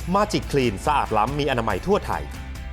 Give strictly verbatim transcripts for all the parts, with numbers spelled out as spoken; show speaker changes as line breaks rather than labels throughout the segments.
Magic Clean สะอาดล้ำมีอนามัยทั่วไทย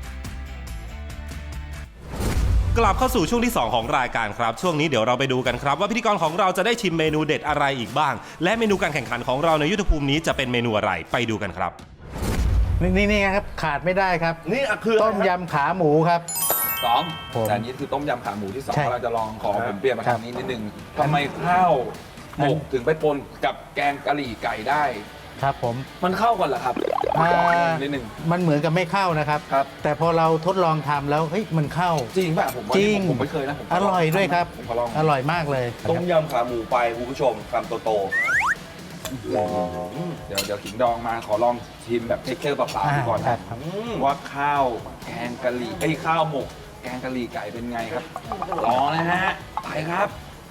กลับเข้าสู่ช่วงที่สองของรายการครับช่วงนี้เดี๋ยวเราไปดูกันครับว่าพิธีกรของเราจะได้ชิมเมนูเด็ดอะไรอีกบ้างและเมนูการแข่งขันของเราในยุทธภูมินี้จะเป็นเมนูอะไรไปดูกันครับ
นี่นี่ครับขาดไม่ได้ครับ
นี่คือ
ต้มยำขาหมูครับ
สองแต่อันนี้คือต้มยำขาหมูที่สองเราจะลองขอผมเปลี่ยนมาทางนี้นิดนึงทำไมข้าวหมกถึงไปปนกับแกงกะหรี่ไก่ได้
ครับผม
มันเข้ากันเหรอครับนิดนึง
มันเหมือนกับไม่เข้านะครับแต่พอเราทดลองทำแล้วเฮ้ยมันเข้า
จริงป่ะผม
จริง
ผมไม่เคยนะ
อร่อยด้วยครับอร่อยมากเลย
ต้มยำขาหมูไปคุณผู้ชมคำโตๆ
เดี๋ยวเดี๋ยวขิงดองมาขอลองชิมแบบเทคเจอร์เปล่าๆก่อนนะว่าข้าวแกงกะหรี่ไอ้ข้าวหมกแกงกะหรี่ไก่เป็นไงครับรอนะฮะไปครับ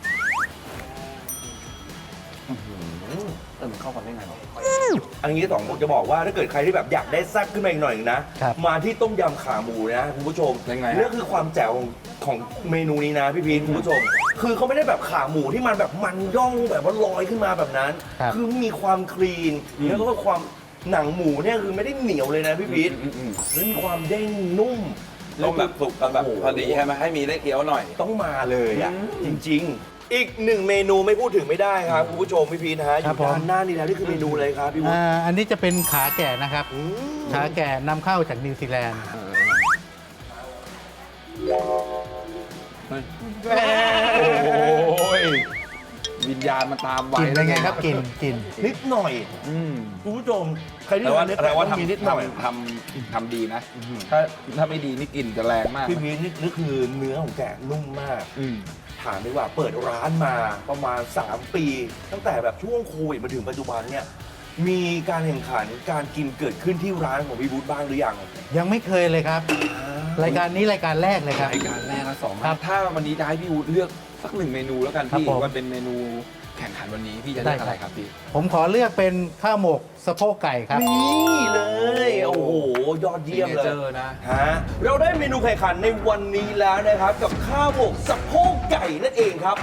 เออมันเข้ากันได้ไงเนาะ
อันนี้สองผมจะบอกว่าถ้าเกิดใครที่แบบอยากได้แซ่บขึ้นมาอีกหน่อยนะมาที่ต้มยำขาหมูนะคุณผู้ชม
ยังไง
นี่คือความแจ๋วของเมนูนี้นะพี่พีทคุณผู้ชมคือเขาไม่ได้แบบขาหมูที่มันแบบมันย่องแบบว่าลอยขึ้นมาแบบนั้นคือมีความคลีนแล้วก็ความหนังหมูเนี่ยคือไม่ได้เหนียวเลยนะพี่พีทแล้วมีความเด้งนุ่ม
ต้องแบบสุกกันแบบพอดีใช่ไหมให้มีได้เคี้ยวหน่อย
ต้องมาเลยอ่ะจริงๆอีกหนึ่งเมนูไม่พูดถึงไม่ได้ครับคุณผู้ชมพี่พีทฮะอยู่ด้านหน้านี่แล้วนี่คือเมนูอะไรครับพี่วุฒิ
อันนี้จะเป็นขาแก่นะครับขาแก่นำเข้าจากนิวซีแลนด์
โอ้ยวิญญาณมันตามไว้
กินยังไงครับกินกิน
นิดหน่อยคุณผู้ชมใครที่ทานเนี่ย
แต่ว่าทำนิดหน่อยทำทำดีนะถ้าถ้าไม่ดีนี่กลิ่นจะแรงมาก
พี่พีทนี่คือเนื้อของแกะนุ่มมากถามดีกว่าเปิดร้านมาประมาณสามปีตั้งแต่แบบช่วงโควิดมาถึงปัจจุบันเนี่ยมีการแข่งขันการกินเกิดขึ้นที่ร้านของพี่วุฒิบ้างหรือยัง
ยังไม่เคยเลยครับรายการนี้รายการแรกเลยครับ
รายการแรกละสองครับถ้าวันนี้จะให้พี่วุฒิเลือกสักหนึ่งเมนูแล้วกันพี่ว่าเป็นเมนูแข่งขันวันนี้พี่จะเลือกอะไรครับพี่
ผมขอเลือกเป็นข้าวหมกสะโพกไก่ครับ
นี่เลยโอ้โหยอดเยี่ยมเลย
นะ
ฮะเราได้เมนูแข่งขันในวันนี้แล้วนะครับกับข้าวหมกสะโพกไก่นั่นเองครับ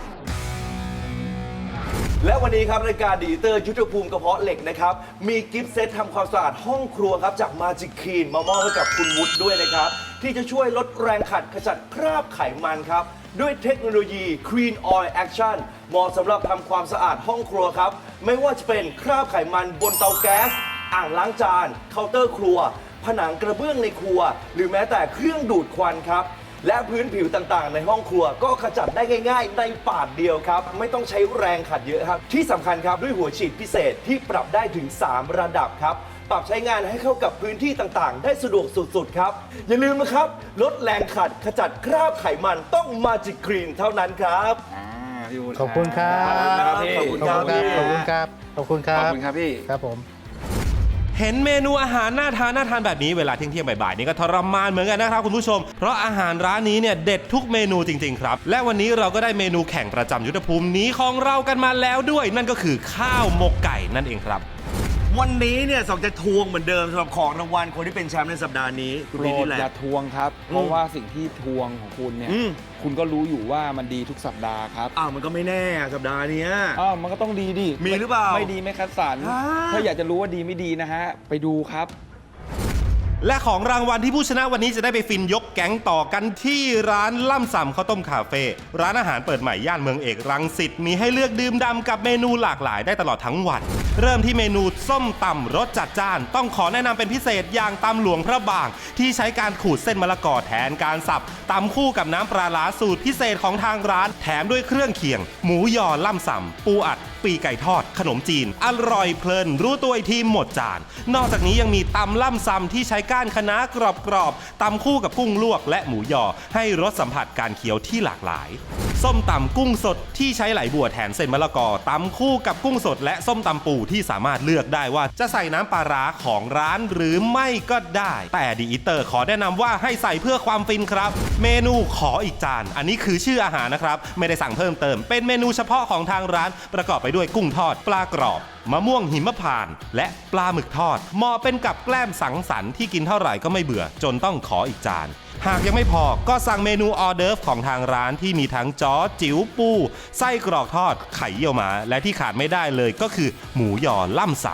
และวันนี้ครับรายการดีเตอร์ยุทธภูมิกระเพาะเหล็กนะครับมีกิฟต์เซตทำความสะอาดห้องครัวครับจาก Magic Clean มามอบให้กับคุณวุฒิด้วยนะครับที่จะช่วยลดแรงขัดขจัดคราบไขมันครับด้วยเทคโนโลยี Clean Oil Action เหมาะสำหรับทำความสะอาดห้องครัวครับไม่ว่าจะเป็นคราบไขมันบนเตาแก๊สอ่างล้างจานเคาน์เตอร์ครัวผนังกระเบื้องในครัวหรือแม้แต่เครื่องดูดควันครับและพื้นผิวต่างๆในห้องครัวก็ขจัดได้ง่ายๆในปาดเดียวครับไม่ต้องใช้แรงขัดเยอะครับที่สำคัญครับด้วยหัวฉีดพิเศษที่ปรับได้ถึงสามระดับครับปรับใช้งานให้เข้ากับพื้นที่ต่างๆได้สะดวกสุดๆครับอย่าลืมนะครับลดแรงขัดขจัดคราบไขมันต้อง Magic Clean เท่านั้นครับ
ขอบคุณครับ
ขอบคุณครับ
ขอบคุณครับขอบคุณครับ
ขอบคุณครับพี่
ครับผม
เห็นเมนูอาหารน่าทานน่าทานแบบนี้เวลาเที่ยงๆบ่ายๆนี่ก็ทรมานเหมือนกันนะครับคุณผู้ชมเพราะอาหารร้านนี้เนี่ยเด็ดทุกเมนูจริงๆครับและวันนี้เราก็ได้เมนูแข่งประจำยุทธภูมินี้ของเรากันมาแล้วด้วยนั่นก็คือข้าวหมกไก่นั่นเองครับ
วันนี้เนี่ยสองจะทวงเหมือนเดิมสำหรับของรางวัลคนที่เป็นแชมป์ในสัปดาห์นี้
คุณพีทอย่าทวงครับเพราะว่าสิ่งที่ทวงของคุณเนี่ยคุณก็รู้อยู่ว่ามันดีทุกสัปดาห์ครับ
อ้าวมันก็ไม่แน่สัปดาห์นี้
อ้าวมันก็ต้องดีดิ
มีหรือเปล่า
ไม่ดีไม่คัดสรรถ้าอยากจะรู้ว่าดีไม่ดีนะฮะไปดูครับ
และของรางวัลที่ผู้ชนะวันนี้จะได้ไปฟินยกแก๊งต่อกันที่ร้านล่ำส่ำข้าวต้มคาเฟ่ร้านอาหารเปิดใหม่ย่านเมืองเอกรังสิตมีให้เลือกดื่มด่ำกับเมนูหลากหลายได้ตลอดทั้งวันเริ่มที่เมนูส้มตำรสจัดจ้านต้องขอแนะนำเป็นพิเศษอย่างตำหลวงพระบางที่ใช้การขูดเส้นมะละกอแทนการสับตำคู่กับน้ำปลาร้าสูตรพิเศษของทางร้านแถมด้วยเครื่องเคียงหมูยอล่ำส่ำปูอัดปีไก่ทอดขนมจีนอร่อยเพลินรู้ตัวอีกทีหมดจานนอกจากนี้ยังมีตำล่ำซำที่ใช้ก้านคะน้ากรอบๆตำคู่กับกุ้งลวกและหมูยอให้รสสัมผัสการเคี้ยวที่หลากหลายส้มตำกุ้งสดที่ใช้ไหลบัวแทนเส้นมะละกอตำคู่กับกุ้งสดและส้มตำปูที่สามารถเลือกได้ว่าจะใส่น้ำปลาร้าของร้านหรือไม่ก็ได้แต่ดีอีเตอร์ขอแนะนำว่าให้ใส่เพื่อความฟินครับเมนูขออีกจานอันนี้คือชื่ออาหารนะครับไม่ได้สั่งเพิ่มเติมเป็นเมนูเฉพาะของทางร้านประกอบไปด้วยกุ้งทอดปลากรอบมะม่วงหิมพานต์และปลาหมึกทอดเหมาะเป็นกับแกล้มสังสรรค์ที่กินเท่าไหร่ก็ไม่เบื่อจนต้องขออีกจานหากยังไม่พอก็สั่งเมนูออเดิร์ฟของทางร้านที่มีทั้งจ้อจิ๋วปูไส้กรอกทอดไข่เยี่ยวม้าและที่ขาดไม่ได้เลยก็คือหมูยอล่ำส่ำ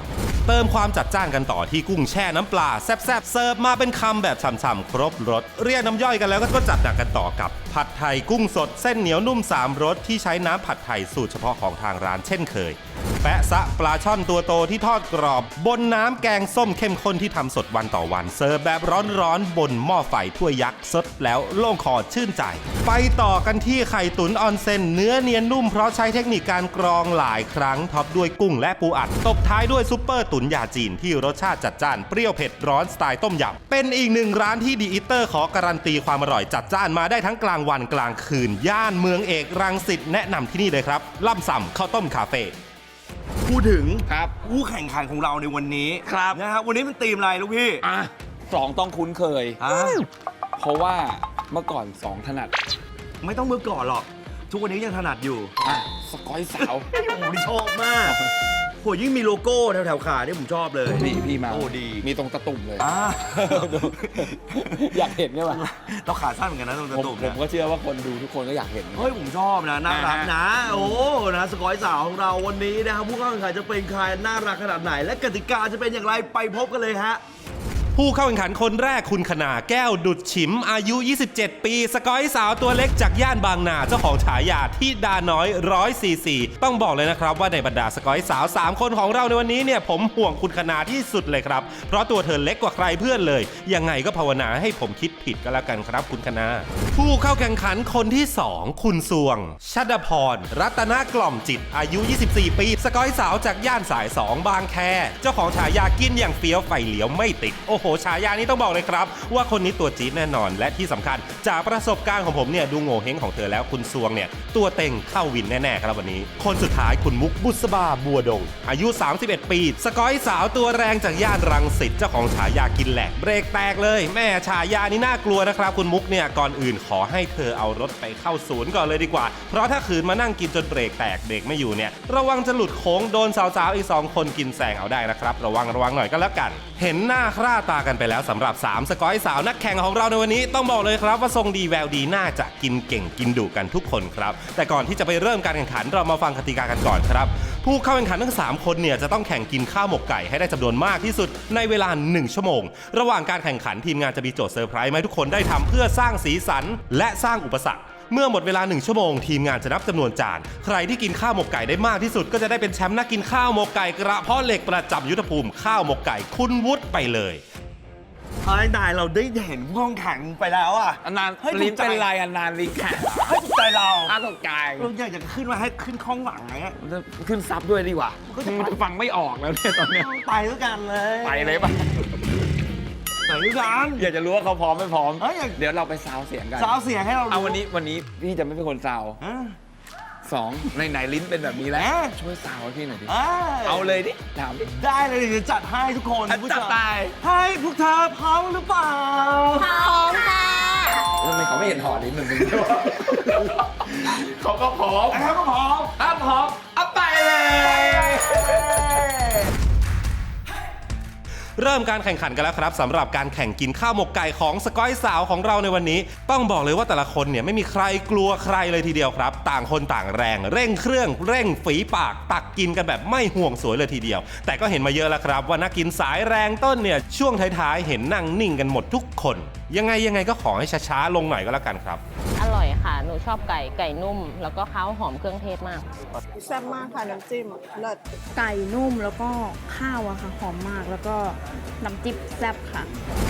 เติมความจัดจ้านกันต่อที่กุ้งแช่น้ำปลาแซ่บๆเสิร์ฟมาเป็นคำแบบฉ่ำๆครบรสเรียกน้ำย่อยกันแล้วก็จัดหนักกันต่อกับผัดไทยกุ้งสดเส้นเหนียวนุ่มสามรสที่ใช้น้ำผัดไทยสูตรเฉพาะของทางร้านเช่นเคยแปะซะปลาช่อนตัวโตที่ทอดกรอบบนน้ำแกงส้มเข้มข้นที่ทำสดวันต่อวันเสิร์ฟแบบร้อนๆบนหม้อไฟถ้วยยักษ์สดแล้วโล่งคอชื่นใจไปต่อกันที่ไข่ตุ๋นออนเซนเนื้อเนียนนุ่มเพราะใช้เทคนิคการกรองหลายครั้งท็อปด้วยกุ้งและปูอัดตบท้ายด้วยซุปเปอร์ตุ๋นยาจีนที่รสชาติจัดจ้านเปรี้ยวเผ็ดร้อนสไตล์ต้มยำเป็นอีกหนึ่งร้านที่ดีอีเตอร์ขอการันตีความอร่อยจัดจ้านมาได้ทั้งกลางวันกลางคืนย่านเมืองเอกรังสิตแนะนำที่นี่เลยครับล่ำส่ำข้าวต้มคาเฟ่
พูดถึง
ครับ
ผู้แข่งขันของเราในวันนี้
ครับ
นะครับวันนี้มันธีมอะไรลูกพี่
อ่ะสองต้องคุ้นเคย
อ่ะ
เพราะว่าเมื่อก่อนสองถนัด
ไม่ต้องเมื่อก่อนหรอก ทุกวันนี้ยังถนัดอยู่
อ่ะสกอยสาว
โอ้โหนี่ชอบมากโหยิ่งมีโลโก้แถวๆขาเนี่ยผมชอบเลย
นี่พี่มา
โอ้ดี
มีตรงตะตุ่มเลย
อ่า
อยากเห็นใช่ไหม
เราขาสั้นเหมือนกันนะตรง
ผม
ตุ่ม
ผ
เนี่
ม
ย
ก็เชื่อว่าคนดูทุกคนก็อยากเห็น
เฮ้ยผมชอบนะน่ารัก
อ่าฮะ
นะ โอ้นะสกอยสาวของเราวันนี้นะครับผู้เข้าแข่งขันจะเป็นใครน่ารักขนาดไหน และกติกาจะเป็นอย่างไรไปพบกันเลยฮะ
ผู้เข้าแข่งขันคนแรกคุณคณาแก้วดุดฉิมอายุ ยี่สิบเจ็ด ปีสกอยสาวตัวเล็กจากย่านบางนาเจ้าของฉายาที่ดาน้อยร้อยซีซีต้องบอกเลยนะครับว่าในบรรดาสกอยสาวสามคนของเราในวันนี้เนี่ยผมห่วงคุณคณาที่สุดเลยครับเพราะตัวเธอเล็กกว่าใครเพื่อนเลยยังไงก็ภาวนาให้ผมคิดผิดก็แล้วกันครับคุณคณาผู้เข้าแข่งขันคนที่สองคุณสวงชัดพรรัตนกล่อมจิตอายุ ยี่สิบสี่ ปีสกอยสาวจากย่านสายสองบางแคเจ้าของฉายากินอย่างเฟี้ยวไฟเหลียวไม่ติดโอ้โหฉายานี้ต้องบอกเลยครับว่าคนนี้ตัวจี๊ดแน่นอนและที่สำคัญจากประสบการณ์ของผมเนี่ยดูโง่เฮงของเธอแล้วคุณซวงเนี่ยตัวเต็งเข้าวินแน่ๆครับวันนี้คนสุดท้ายคุณมุกบุษบาบัวดงอายุ สามสิบเอ็ด ปีสกอยสาวตัวแรงจากย่านรังสิตเจ้าของฉายากินแหลกเบรกแตกเลยแม่ฉายานี้น่ากลัวนะครับคุณมุกเนี่ยก่อนอื่นขอให้เธอเอารถไปเข้าศูนย์ก่อนเลยดีกว่าเพราะถ้าขืนมานั่งกินจนเบรกแตกเบรกไม่อยู่เนี่ยระวังจะหลุดโค้งโดนสาวๆอีกสองคนกินแซงเอาได้นะครับระวังระวังหน่อยก็แล้วกันเห็นหน้าค่าตากันไปแล้วสำหรับสามสกอยสาวนักแข่งของเราในวันนี้ต้องบอกเลยครับว่าทรงดีแววดีน่าจะกินเก่งกินดุกันทุกคนครับแต่ก่อนที่จะไปเริ่มการแข่งขันเรามาฟังกติกากันก่อนครับผู้เข้าแข่งขันทั้งสามคนเนี่ยจะต้องแข่งกินข้าวหมกไก่ให้ได้จำนวนมากที่สุดในเวลาหนึ่งชั่วโมงระหว่างการแข่งขันทีมงานจะมีโจทย์เซอร์ไพรส์มาให้ทุกคนได้ทำเพื่อสร้างสีสันและสร้างอุปสรรคเมื่อหมดเวลาหนึ่งชั่วโมงทีมงานจะนับจำนวนจานใครที่กินข้าวหมกไก่ได้มากที่สุดก็จะได้เป็นแชมป์นักกินข้าวหมกไก่กระเพาะเหล็กประจำยุทธภูมิข้าวหมกไก่คุณวุฒิไปเลย
เฮ้ยนายเราได้เห็นผู้แข่งขันไปแล้วอ่ะ
อันนาน
เฮ้ย
ลิ้น
ถูกใจ
เป็นไรอันนานลิ้นแข็ง
ให้ถูกใจเรา
อ้าตกใจ
เราอยากจะขึ้นมาให้ขึ้นข้องหลังไง
ขึ้นซับด้วยดีกว่ามันจะฟังไม่ออกแล้วเนี่ยตอนเนี้ย
ไปด้วยกันเลย
ไปเลยป่ะ
ไปด้วยกัน
อยากจะรู้ว่าเขาพร้อมไม่พร้อม
เอ้ยอยาก
เดี๋ยวเราไปซาวเสียงกัน
สาวเสียงให้เรารู้
เอาวันนี้วันนี้พี่จะไม่เป็นคนซาว
อ่ะ
สองในไหนลิ้นเป็นแบบนี้แล้ว
เอ๊ะ
ช่วยซาวให้พี่หน่อยดิ
อ่ะ
เอาเลยดิถามดิ
ได้เลยเดี๋ยวจัดให้ทุกคน
อ่ะ
ผู้ชม
จัดไป
ให้พวกเธอพร้อมหรือเปล่า
พร้อมค่ะ
ทำไมเขาไม่เห็นหอลิ้นเหมือนมึงเขาก็พร้อม
นะครับก็พร้อม
ถ้าพร้อมเอาไปเลย
เริ่มการแข่งขันกันแล้วครับสำหรับการแข่งกินข้าวหมกไก่ของสกอยสาวของเราในวันนี้ต้องบอกเลยว่าแต่ละคนเนี่ยไม่มีใครกลัวใครเลยทีเดียวครับต่างคนต่างแรงเร่งเครื่องเร่งฝีปากตักกินกันแบบไม่ห่วงสวยเลยทีเดียวแต่ก็เห็นมาเยอะแล้วครับว่านักกินสายแรงต้นเนี่ยช่วงท้ายๆเห็นนั่งนิ่งกันหมดทุกคนยังไงยังไงก็ขอให้ช้าๆลงหน่อยก็แล้วกันครับ
อร่อยค่ะ หนูชอบไก่ ไก่นุ่ม แล้วก็ข้าวหอมเครื่องเทศมาก
แซ่บมากค่ะ น้ำจิ้มเลิศไก่นุ่มแล้วก็ข้าวอะค่ะ หอมมากแล้วก็น้ำจิ้มแซ่บค่ะ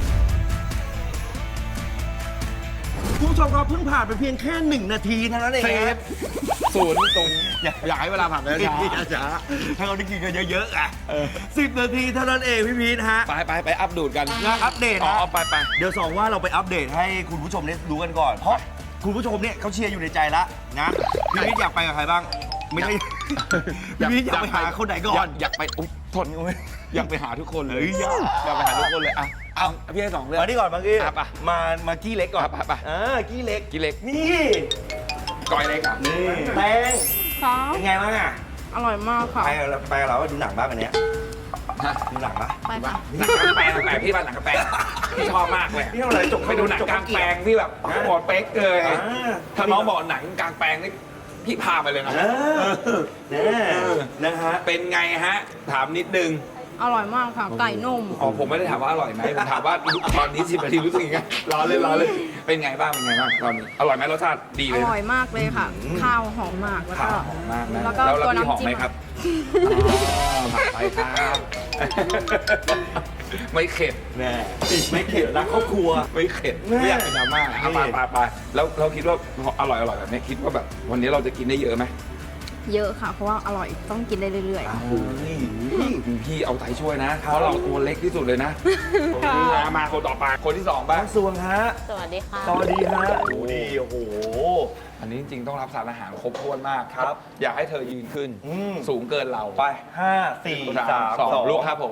คุณผู้ชมครับเพิ่งผ่านไปเพียงแค่หนึ่งนาทีเท่านั้นเอง
เซฟศูนย์ตรงอยากอยากให้เวลาผ่านไป
ช้า
ช้า
ช้าให้เขาได้กินกันเยอะๆอ่ะสิบนาทีเท่านั้นเองพี่พีทฮะ
ไปไปไปอัปดูดกัน
งานอัปเดต
อ๋อ
นะ
เอาไปไป
เดี๋ยวสองว่าเราไปอัปเดตให้คุณผู้ชมได้รู้กันก่อน เพราะคุณผู้ชมเนี่ยเขาเชียร์อยู่ในใจแล้วนะพี่พีทอยากไปกับใครบ้าง ไม่ใช่พี่พีทอยากไปหาคนไหนก่อน
อยากไปอุ๊ยทนอยากไปหาทุกคนเลย
เฮ้ยอยาก
อยากไปหาทุกคนเลยอ่ะเอาพี่ให้สองเรื่อง
มานี่ก่อนบางกี้
อ่ะไป
มามากี้เล็กก่อน
ไปไปไป
อ่ากี้เล็ก
กินเล็ก
นี่
ก้อยเล็กอ่ะ
นี่แตง
ค่ะ
เป็นไงบ้างอ่ะ
อร่อยมากค่ะ
ไปกับเราไปกับเราดูหนังบ้างวันเนี้ย
ฮะ
ดูหนังปะ
ไปค่ะ
หนังกลางแปลงแปลงพี่ว่าหนังกลางแปลงพี่ชอบมากเลย
พี่เอาอะไรจก
ไปดูหนังกลางแปลงพี่แบบหมดเป๊กเลย
อ่า
ถ้าน้องบอกหนังกลางแปลงนี่พี่พาไปเลยนะ
เออแน่นะฮะ
เป็นไงฮะ ถามนิดนึง
อร่อยมากค่ะ ไก่นุ่ม
อ๋อผมไม่ได้ถามว่าอร่อยไหมผมถามว่าตอนนี้สิบนาทีรู้สึกยังไงรอเลยรอเลยเป็นไงบ้างเป็นไงบ้างตอนนี้อร่อยไหมรสชาติดี
อ
เลย
ร่อยมากเลยค่ะ ข้าวหอมมาก แล้วก็
ข้าวหอมมากนะ
แล้วก็
แล้ว
ตัว
พี่หอม
น้ำจิ้
ไหม
ม
ครับอ๋อผัดไปครับ ไม่เข็ด
แน่ไม่เข็ดรักครอบครัว
ไม่เข็ด
แม่
ไม่อยากเป็นดราม่าเอาไปไปไปแล้วเราคิดว่าอร่อยอร่อยแบบนี้คิดว่าแบบวันนี้เราจะกินได้เยอะไหม
เยอะค่ะ เพราะว่าอร่อยต้องกินได้เรื่อยๆ
พี่เอาใจช่วยนะ เพราะเราตัวเล็กที่สุดเลยนะมามาคนต่อไปคนที่สองบ้าง
น้องสวงฮะ
สวัสดีค่ะ
สวัสดีฮะดูดีโอ้โห
อันนี้จริงๆต้องรับสารอาหารครบถ้วนมาก
ครับ
อยากให้เธอยืนขึ้น
อืม
สูงเกินเรา
ไปห้าสี่สาม
สอง
สอง
ลูกครับผม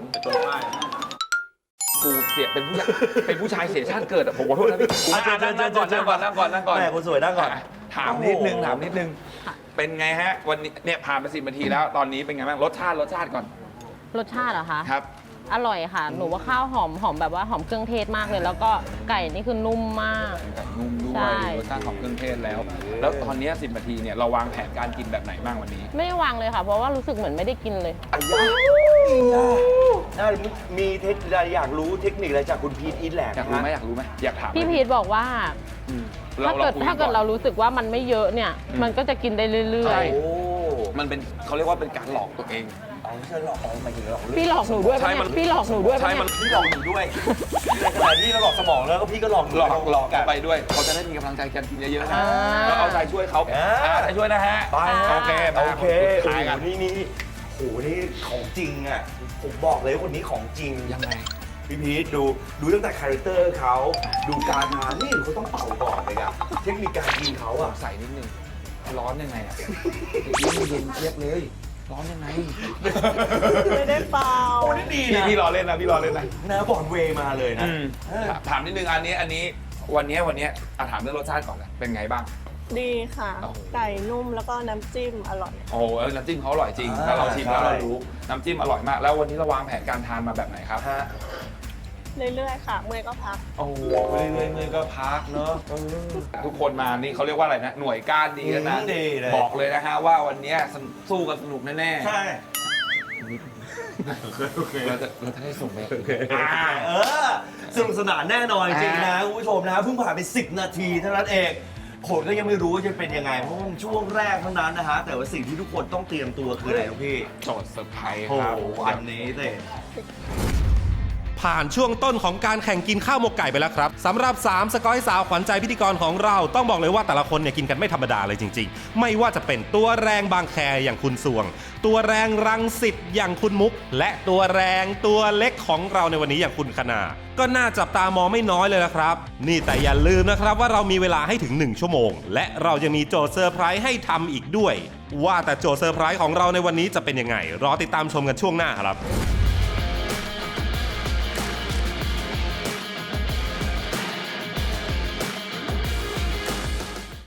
กูเสียเป็นผู้ชายเป็นผู้ชายเสียชาติเกิดอะผมขอโทษนะพี่กูนั่งนั่งนั่งก่อนนั่งก่อนนั่งก่อนนั่งก่อน
แม่คนสวยนั่งก่อน
ะถามนิดนึง
โอ้โห
ถามนิดนึง เป็นไงฮะ วันนี้เนี่ยผ่านไปสิบนาทีแล้วตอนนี้เป็นไงบ้างรสชาติรสชาติก่อน
รสชาติเหรอคะ
ครับ
อร่อยค่ะ หนูว่าข้าวหอมหอมแบบว่าหอมเครื่องเทศมากเลย แล้วก็ไก่นี่คือนุ่มมาก
ไก่นุ่มด้ว
ใช่
ยรสชาติของเครื่องเทศแล้ว แล้วตอนนี้สิบนาทีเนี่ยเราวางแผนการกินแบบไหนบ้างวันนี้
ไม่ได้วางเลยค่ะ เพราะว่ารู้สึกเหมือนไม่ได้กินเลย
อ้ยาน่ามีเทคนิคอะไรอยากรู้เทคนิคอะไรจากคุณพีทอีทแหลก
อยากรู้ไหมอยากรู้ไหมอยากถาม
พี่พีทบอกว่า
อืม
ถ้าเกิด
คุย
ถ้าเกิด
อน
เรารู้สึกว่ามันไม่เยอะเนี่ย
อืม
มันก็จะกินได้เรื่อ
ใช่
ย
โอ้
มันเป็นเขาเรียกว่าเป็นการหลอกตัวเอง
เอาไม่ใช่หลอกเอาหมายถึงหลอก
ๆ พี่หลอกหนูด้วย
ใช่
ปะ
มั
เนี่
น
ยพี่หลอกหนูด้วย
ใช่
ปะ
มัน
เนี่ย
พี่หลอกหนูด้วยในขณะที่เราหลอกสมองแล้วก็พี่ก็หลอกนู
หลอกหลอก
กัน
ไปด้วยเขาจะได้มีกำลังใจกันกินเยอะๆนะ
อ่า
แล้วเอาใจช่วยเขา
อ่า
อ่าใจช่วยนะฮะ
ไป
โอเคมา
โอเค
สุดท้ายกัน
โอ้โหนี่นี่โอ้โหนี่ของจริงอ่ะผมบอกเลยว่าคนนี้ของจริง
ยังไง
พี่พีทดูดูตั้งแต่คาแรคเตอร์เขาดูการทานนี่เขาต้องเป่าก่อนเลยอะเทคนิคการกินเขาอะ
ใส่นิดนึงร้อนยังไงอ่ะเย็นเย็นเทียบเลย ร้อนยังไง
ไม่ได้เปล่า
โอ้นี่ดี
พี่
นะ
พี่รอเล่นนะพี่รอเล่นนะ
นะบอลเวย์มาเลยนะ
อืม
เออ
ถามนิดนึงอันนี้อันนี้วันนี้วันนี้อ่ะถามเรื่องรสชาติก่อนเลยเป็นไงบ้าง
ดีค่ะ
โอ้โห
ไก่นุ่มแล้วก็น้ำจิ้มอร่อย
โอ้โหเออน้ำจิ้มเขาอร่อยจริงถ้าเราชิมแล้วเรารู้น้ำจิ้มอร่อยมาก แล้ววันนี้เราวางแผนการทานมาแบบไหนครับ
ฮะ
เรื่อยๆค่ะ เมื่อยก็พัก
โอ้โหเรื่อยๆเมื่อยก็พักเนอะทุกคนมานี่เขาเรียกว่าอะไรนะ หน่วยก้านดีแล้วนะ
อืมดีเลย
บอกเลยนะฮะว่าวันนี้สู้กันสนุกแน่ๆ
ใช่
เราจะเราจะได้ส่งไป
อ่าเออสนุกสนานแน่นอนจริงๆนะคุณผู้ชมนะเพิ่งผ่านไปสิบนาทีเท่านั้นเองผลก็ยังไม่รู้ว่าจะเป็นยังไงเพราะว่ามันช่วงแรกเท่านั้นนะฮะแต่ว่าสิ่งที่ทุกคนต้องเตรียมตัวคืออะไรครับพี่
โจทย์เซอร์ไพรส์
โอ้
ครับ
โหอันนี้เลย
ผ่านช่วงต้นของการแข่งกินข้าวหมกไก่ไปแล้วครับสำหรับสามสกอยสาวขวัญใจพิธีกรของเราต้องบอกเลยว่าแต่ละคนเนี่ยกินกันไม่ธรรมดาเลยจริงๆ ไม่ว่าจะเป็นตัวแรงบางแคอย่างคุณสวง ตัวแรงรังสิตอย่างคุณมุก และตัวแรงตัวเล็กของเราในวันนี้อย่างคุณคณาก็น่าจับตามองไม่น้อยเลยละครับ นี่แต่อย่าลืมนะครับว่าเรามีเวลาให้ถึงหนึ่งชั่วโมง และเรายังมีโจทย์เซอร์ไพรส์ให้ทำอีกด้วย ว่าแต่โจทย์เซอร์ไพรส์ของเราในวันนี้จะเป็นยังไงรอติดตามชมกันช่วงหน้าครับ